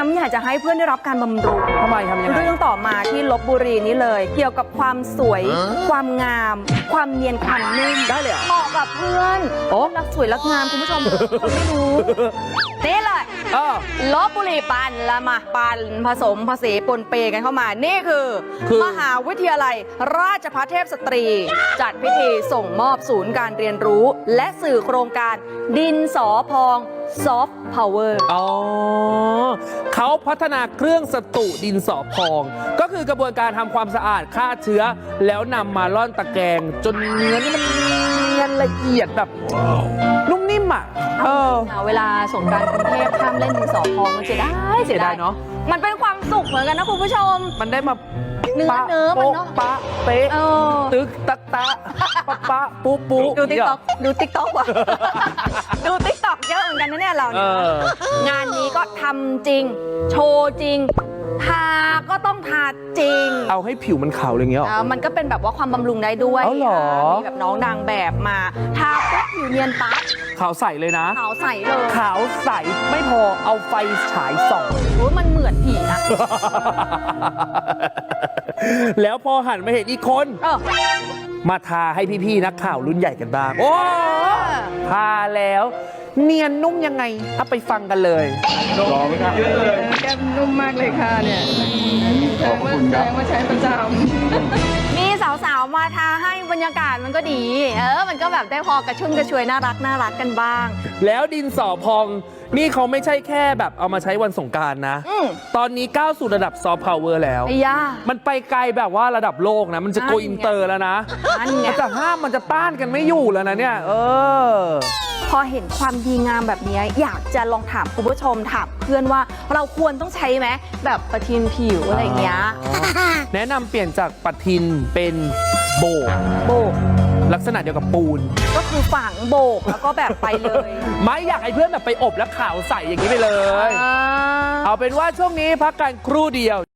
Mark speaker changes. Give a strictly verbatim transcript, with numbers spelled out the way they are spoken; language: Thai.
Speaker 1: ำอยากจะให้เพื่อนได้รับการบำรุง
Speaker 2: ทำไมทำยังไง
Speaker 1: เรื่องต่อมาที่ลพบุรีนี้เลย เกี่ยวกับความสวย ความงาม ความเนียนความนุ่ม
Speaker 2: ได้เลยเหรอ
Speaker 1: เหมาะกับเพื่อน
Speaker 2: โอ้
Speaker 1: รักสวยรักงามคุณผู้ชมคนไม่รู้นี่เลย
Speaker 2: เออ
Speaker 1: ลพบุรีปันละมาปันผสมผสมปนเปกันเข้ามา นี่คือ
Speaker 2: คือ
Speaker 1: มหาวิทยาลัยราชภัฏเทพสตรี จัดพิธีส่งมอบศูนย์การเรียนรู้ และสื่อโครงการดินสอพองซอฟต์พาวเวอร์
Speaker 2: อ๋อเขาพัฒนาเครื่องสตุดินสอพอง ก็คือกระบวนการทำความสะอาดฆ่าเชื้อ แล้วนำมาร่อนตะแกรงจนเนื้อนี่มันเนียนละเอียดแบบนุ่มนิ่มอ่ะเออ
Speaker 1: เวลาสงกรานต์กรุงเทพห้ามเล่นดินสอพองมันเสียดายเสียดาย
Speaker 2: เสียดายเนอะ
Speaker 1: มันเป็นความสุขเหมือนกันนะคุณผู้ชม
Speaker 2: มันได้มา
Speaker 1: เนื้อ
Speaker 2: ปะ
Speaker 1: เนื้อมัน
Speaker 2: โป๊ะ
Speaker 1: เนอะ
Speaker 2: ปะเป๊ะ
Speaker 1: เออ
Speaker 2: ตึกตักตะปะปะปูปู
Speaker 1: ดูติ๊กต็อกดูติ๊กต็อกว่ะ ดูติ๊กต็อกเยอะเหมือนกันนะเนี่ยเรา
Speaker 2: เอ
Speaker 1: เนี่ย
Speaker 2: อ
Speaker 1: งานนี้ก็ทำจริง โชว์จริง ทาก็ต้องทาจริง
Speaker 2: เอาให้ผิวมันขาวอะไรเงี้ยหรอ
Speaker 1: อ่ามันก็เป็นแบบว่าความบำรุงได้ด้วย
Speaker 2: เอาเหรอ
Speaker 1: มีแบบน้องนางแบบมา ทาปุ๊บผิวเนียนปั๊บ
Speaker 2: ขาวใสเลยนะ
Speaker 1: ขาวใสเลย
Speaker 2: ขาวใสไม่พอเอาไฟฉายส่อง
Speaker 1: โอ้ยมันเหมือนผีนะ
Speaker 2: แล้วพอหันมาเห็นอีกคน
Speaker 1: เออ
Speaker 2: มาทาให้พี่ๆนักข่าวรุ่นใหญ่กันบ้าง โอ้ทาแล้ว เนียนนุ่มยังไงเอาไปฟังกันเลย
Speaker 3: รอไหมครับเยอะเลย
Speaker 4: แก้มนุ่มมากเลยค่ะเนี่ย
Speaker 3: ขอบคุณครับ
Speaker 4: แสดงว่าใช้ประจำ
Speaker 1: มีสาวๆ มาทาให้บรรยากาศมันก็ดี เออ มันก็แบบได้พอกระชุ่มกระชวยน่ารักน่ารักกันบ้าง
Speaker 2: แล้วดินสอพอง นี่เขาไม่ใช่แค่แบบเอามาใช้วันสงกรานต์นะ
Speaker 1: อืม
Speaker 2: ตอนนี้ก้าวสู่ระดับซอฟต์พาวเวอร์แล้ว
Speaker 1: ไอ้ย่า
Speaker 2: มันไปไกลแบบว่าระดับโลกนะ มันจะโก
Speaker 1: นั่นไง
Speaker 2: อินเตอร์แล้วนะ
Speaker 1: นั่นไง
Speaker 2: มันจะห้ามมันจะต้านกันไม่อยู่แล้วนะเนี่ย เออ
Speaker 1: พอเห็นความดีงามแบบนี้อยากจะลองถามคุณผู้ชมถามเพื่อนว่าเราควรต้องใช้ไหมแบบประทินผิวอะไรอย่างเงี้ย
Speaker 2: แนะนำเปลี่ยนจากปะทินเป็นโบก
Speaker 1: โบก
Speaker 2: ลักษณะเดียวกับปูน
Speaker 1: ก็คือฝังโบกแล้วก็แบบไปเลย
Speaker 2: ไม่อยากให้เพื่อนแบบไปอบแล้วขาวใสอย่างนี้ไปเลย
Speaker 1: อ่า
Speaker 2: เอาเป็นว่าช่วงนี้พักกันครู่เดียว